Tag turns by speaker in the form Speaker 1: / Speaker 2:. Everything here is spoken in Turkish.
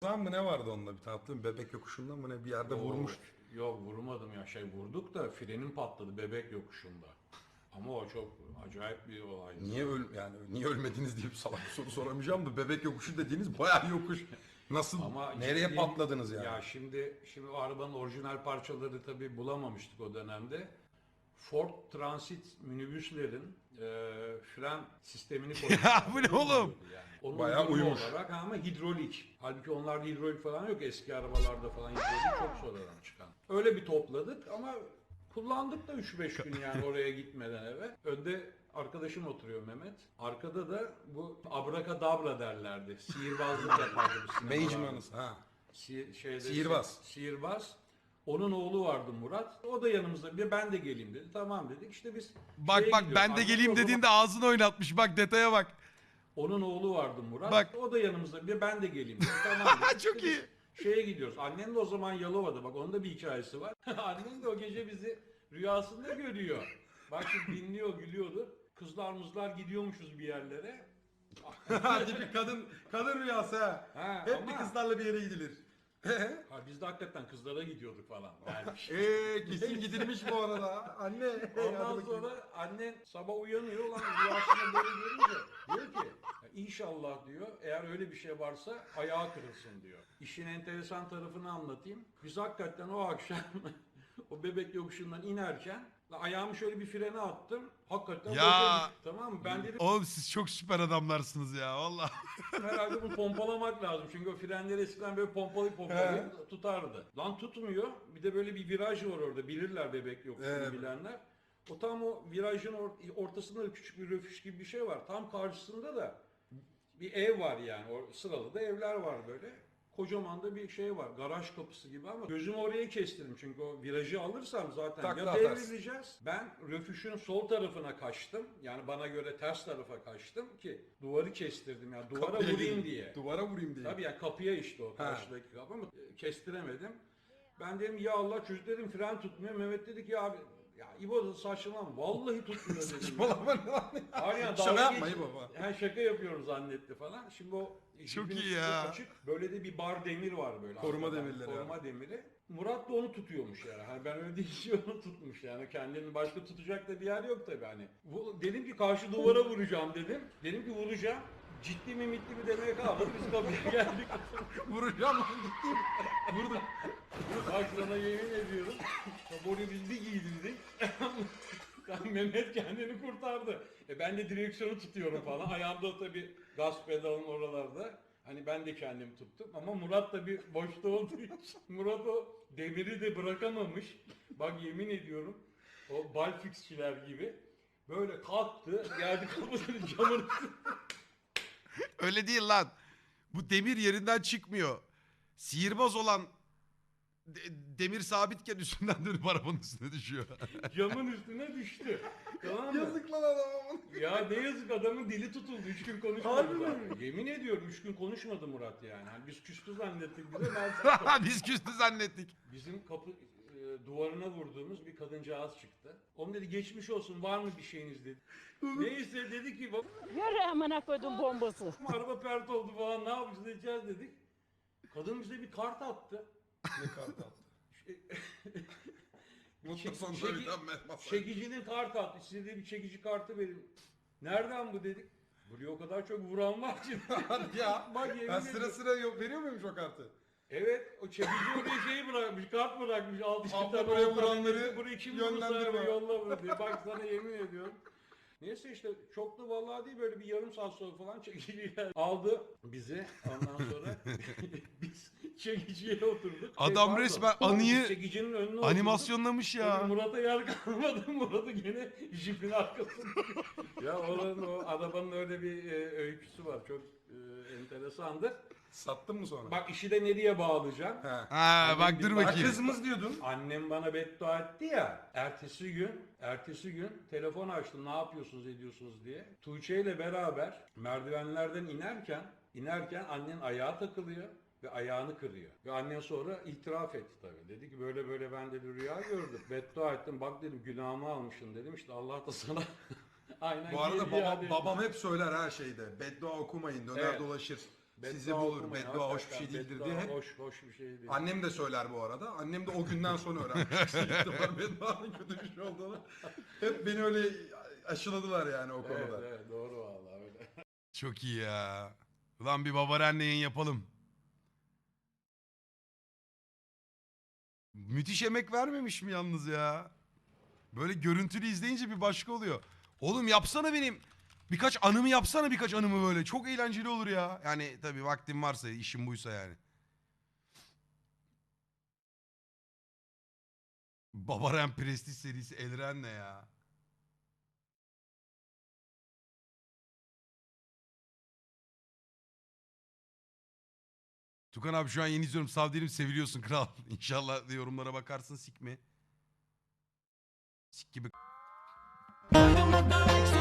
Speaker 1: ortağın mı ne vardı onunla bir tane bebek yokuşundan mı ne bir yerde vurmuş.
Speaker 2: Yok vurmadım ya vurduk da frenim patladı bebek yokuşunda. Ama o çok acayip bir olaydı.
Speaker 1: Niye ölmediniz diye bir salak bir soru soramayacağım da bebek yokuşu dediğiniz bayağı yokuş. Nasıl
Speaker 2: Ama
Speaker 1: nereye
Speaker 2: ciddi-
Speaker 1: patladınız yani?
Speaker 2: Ya şimdi o arabanın orijinal parçaları tabii bulamamıştık o dönemde. Ford Transit minibüslerin fren sistemini koymuşlar.
Speaker 3: Ya bu ne oğlum?
Speaker 2: Yani. Onun
Speaker 1: Bayağı
Speaker 2: uydurma
Speaker 1: uyumuş.
Speaker 2: olarak ama hidrolik. Halbuki onlarda hidrolik falan yok. Eski arabalarda falan hidrolik çok sonradan çıkan. Öyle bir topladık ama kullandık da 3-5 gün yani oraya gitmeden eve. Önde arkadaşım oturuyor Mehmet. Arkada da bu abrakadabra derlerdi. Sihirbazlık yapardı bu sinemalarda.
Speaker 1: Mage'manız ha.
Speaker 2: Sihirbaz. Sihirbaz. Onun oğlu vardı Murat. O da yanımızda. Bir ben de geleyim dedi. Tamam dedik. İşte biz
Speaker 3: Bak
Speaker 2: şeye
Speaker 3: bak
Speaker 2: gidiyoruz.
Speaker 3: ben de
Speaker 2: Annem
Speaker 3: geleyim
Speaker 2: o zaman-
Speaker 3: dediğinde ağzını oynatmış. Bak detaya bak.
Speaker 2: Onun oğlu vardı Murat.
Speaker 3: Bak.
Speaker 2: O da yanımızda. Bir ben de geleyim dedi. Tamam dedik.
Speaker 3: Çok
Speaker 2: İşte
Speaker 3: iyi.
Speaker 2: biz şeye gidiyoruz. Annem de o zaman Yalova'da. Bak onun da bir hikayesi var. Annem de o gece bizi rüyasında görüyor. Bak şimdi dinliyor, gülüyordu. Kızlar mızlar gidiyormuşuz bir yerlere.
Speaker 1: Hadi bir kadın rüyası ha.
Speaker 2: Ha,
Speaker 1: Hep
Speaker 2: ama-
Speaker 1: bir kızlarla bir yere gidilir.
Speaker 2: Ha, biz de hakikaten kızlara gidiyorduk falan. Yani
Speaker 1: Kesin gidilmiş bu arada. Anne.
Speaker 2: Ondan sonra annen sabah uyanıyor ulan rüyasında böyle görünce diyor ki "Ya İnşallah diyor eğer öyle bir şey varsa ayağı kırılsın diyor. İşin enteresan tarafını anlatayım. Biz hakikaten o akşam o bebek yokuşundan inerken ayağımı şöyle bir frene attım. Hakikaten
Speaker 3: Ya.
Speaker 2: boşa düştü, tamam mı? Ben dedim
Speaker 3: Oğlum siz çok süper adamlarsınız ya valla.
Speaker 2: herhalde bunu pompalamak lazım. Çünkü o frenleri eskiden böyle pompalayıp tutardı. Lan tutmuyor. Bir de böyle bir viraj var orada. Bilirler bebek yokuşunu bilenler. O tam o virajın ortasında da küçük bir röfüş gibi bir şey var. Tam karşısında da bir ev var yani. O sıralı da evler var böyle. Kocaman da bir şey var. Garaj kapısı gibi ama gözümü oraya kestirdim. Çünkü o virajı alırsam zaten
Speaker 1: Takla
Speaker 2: ya
Speaker 1: atarsın.
Speaker 2: devrileceğiz. Ben röfüşün sol tarafına kaçtım. Yani bana göre ters tarafa kaçtım ki duvarı kestirdim. Yani duvara
Speaker 1: Kapıya
Speaker 2: vurayım
Speaker 1: gireyim.
Speaker 2: diye.
Speaker 1: Duvara vurayım diye.
Speaker 2: Tabii yani kapıya işte o karşıdaki kapı ama kestiremedim. Ben dedim ya Allah çocuk dedim fren tutmuyor. Mehmet dedi ki ya abi ya İbo da saçmalama vallahi tutmuyor dedim.
Speaker 1: Saçmalama ne lan ya?
Speaker 2: Hayır yani
Speaker 1: Şaka
Speaker 2: dalga
Speaker 1: yapma
Speaker 2: geç-
Speaker 1: İbo falan.
Speaker 2: Yani şaka yapıyorum zannetti falan. Şimdi o
Speaker 3: Çok
Speaker 2: jipin
Speaker 3: iyi
Speaker 2: üstü
Speaker 3: ya.
Speaker 2: açık. Böyle de bir bar demir var böyle.
Speaker 1: Koruma
Speaker 2: arkadan.
Speaker 1: demirleri
Speaker 2: Koruma demiri. Murat da onu tutuyormuş yani. Hani ben öyle deyince onu tutmuş yani. Kendini başka tutacak da bir yer yok tabii hani. Dedim ki karşı duvara vuracağım dedim. Dedim ki vuracağım. Ciddi mi mitli mi demeye kalmadı. Biz kapıya geldik.
Speaker 1: Vuracağım lan gittim. Vurdum.
Speaker 2: Bak sana yemin ediyorum. Oraya biz bir giydirdik. Mehmet kendini kurtardı. Ben de direksiyonu tutuyorum falan. Ayağımda tabii gaz pedalın oralarda. Hani ben de kendimi tuttum ama Murat da bir boşta olduğu için Murat o demiri de bırakamamış. Bak yemin ediyorum o balfixçiler gibi böyle kalktı geldi kapının camını
Speaker 3: Öyle değil lan. Bu demir yerinden çıkmıyor. Sihirbaz olan demir sabitken üstünden dönüp arabanın üstüne düşüyor.
Speaker 2: camın üstüne düştü. Tamam mı?
Speaker 1: Yazık lan adama.
Speaker 2: Ya ne yazık adamın dili tutuldu. 3 gün konuşmadı
Speaker 1: Harbi
Speaker 2: zaten. Yemin ediyorum 3 gün konuşmadı Murat yani. Hani biz küstü zannettik bize. Ben
Speaker 3: Biz küstü zannettik.
Speaker 2: bizim kapı duvarına vurduğumuz bir kadıncağız çıktı. Onun dedi geçmiş olsun var mı bir şeyiniz dedi. Neyse dedi ki bak
Speaker 4: Yürü amına koydum bombası.
Speaker 2: araba pert oldu falan ne yapacağız edeceğiz dedik. Kadın bize bir kart attı.
Speaker 1: Ne kart attı? Mutlu sonunda
Speaker 2: Çeki-
Speaker 1: bir tane mesaj.
Speaker 2: Çekicinin kart attı. Size de bir çekici kartı verin. Nereden bu dedik. Buraya o kadar çok vuran var ki.
Speaker 1: Hadi ya.
Speaker 2: Bak yemin
Speaker 1: Ben sıra
Speaker 2: ediyorum.
Speaker 1: sıra yok, veriyor muymuş o kartı?
Speaker 2: Evet, o çekici oraya şeyi bırakmış, kart bırakmış. Al işte
Speaker 1: Abla
Speaker 2: tabii
Speaker 1: buraya
Speaker 2: o
Speaker 1: vuranları
Speaker 2: kartı, burayı kim
Speaker 1: yönlendirme.
Speaker 2: vurursa yolla bunu diye. Bak sana yemin ediyorum. Neyse işte çok da vallahi değil böyle bir yarım saat sonra falan çekiciyle aldı bizi. Ondan sonra biz çekiciye oturduk.
Speaker 3: Adam
Speaker 2: pardon.
Speaker 3: resmen
Speaker 2: Biz
Speaker 3: anıyı
Speaker 2: çekicinin önüne
Speaker 3: animasyonlamış
Speaker 2: oturduk.
Speaker 3: ya.
Speaker 2: Tabii Murat'a yer kalmadı. Murat'ı gene jipin arkasında. Ya oranın o arabanın öyle bir öyküsü var. Çok enteresandır.
Speaker 1: Sattın mı sonra?
Speaker 2: Bak işi de nereye bağlayacağım?
Speaker 1: He.
Speaker 3: Ha bak dur
Speaker 1: Bak
Speaker 3: bakayım.
Speaker 1: kızımız diyordun.
Speaker 2: Annem bana beddua etti ya. Ertesi gün telefon açtım ne yapıyorsunuz ediyorsunuz diye. Tuğçe ile beraber merdivenlerden inerken annen ayağa takılıyor ve ayağını kırıyor. Ve annen sonra itiraf etti tabii. Dedi ki böyle böyle ben de bir rüya gördüm. Beddua ettim bak dedim günahımı almışsın dedim işte Allah da sana aynen
Speaker 1: Bu arada
Speaker 2: geldi ya dedi.
Speaker 1: babam hep söyler her şeyde. Beddua okumayın döner
Speaker 2: Evet.
Speaker 1: dolaşır. sizi bulur, beddua hoş bir şey değildir diye hep
Speaker 2: Hoş bir şey değil.
Speaker 1: annem de söyler bu arada. Annem de o günden sonra öğrenmiş. İhtimal bedduanın kötü bir şey olduğunu. Hep beni öyle aşıladılar yani o konuda.
Speaker 2: Evet doğru vallahi öyle.
Speaker 3: Çok iyi ya. Ulan bir Babaren yayın yapalım. Müthiş emek vermemiş mi yalnız ya? Böyle görüntülü izleyince bir başka oluyor. Oğlum yapsana benim. Birkaç anımı böyle. Çok eğlenceli olur ya. Yani tabii vaktim varsa, işim buysa yani. Babaren Prestige serisi Elren ne ya? Tukan abi şu an yeni izliyorum. Sağ değilim, seviliyorsun kral. İnşallah yorumlara bakarsın, sik mi? Sik gibi.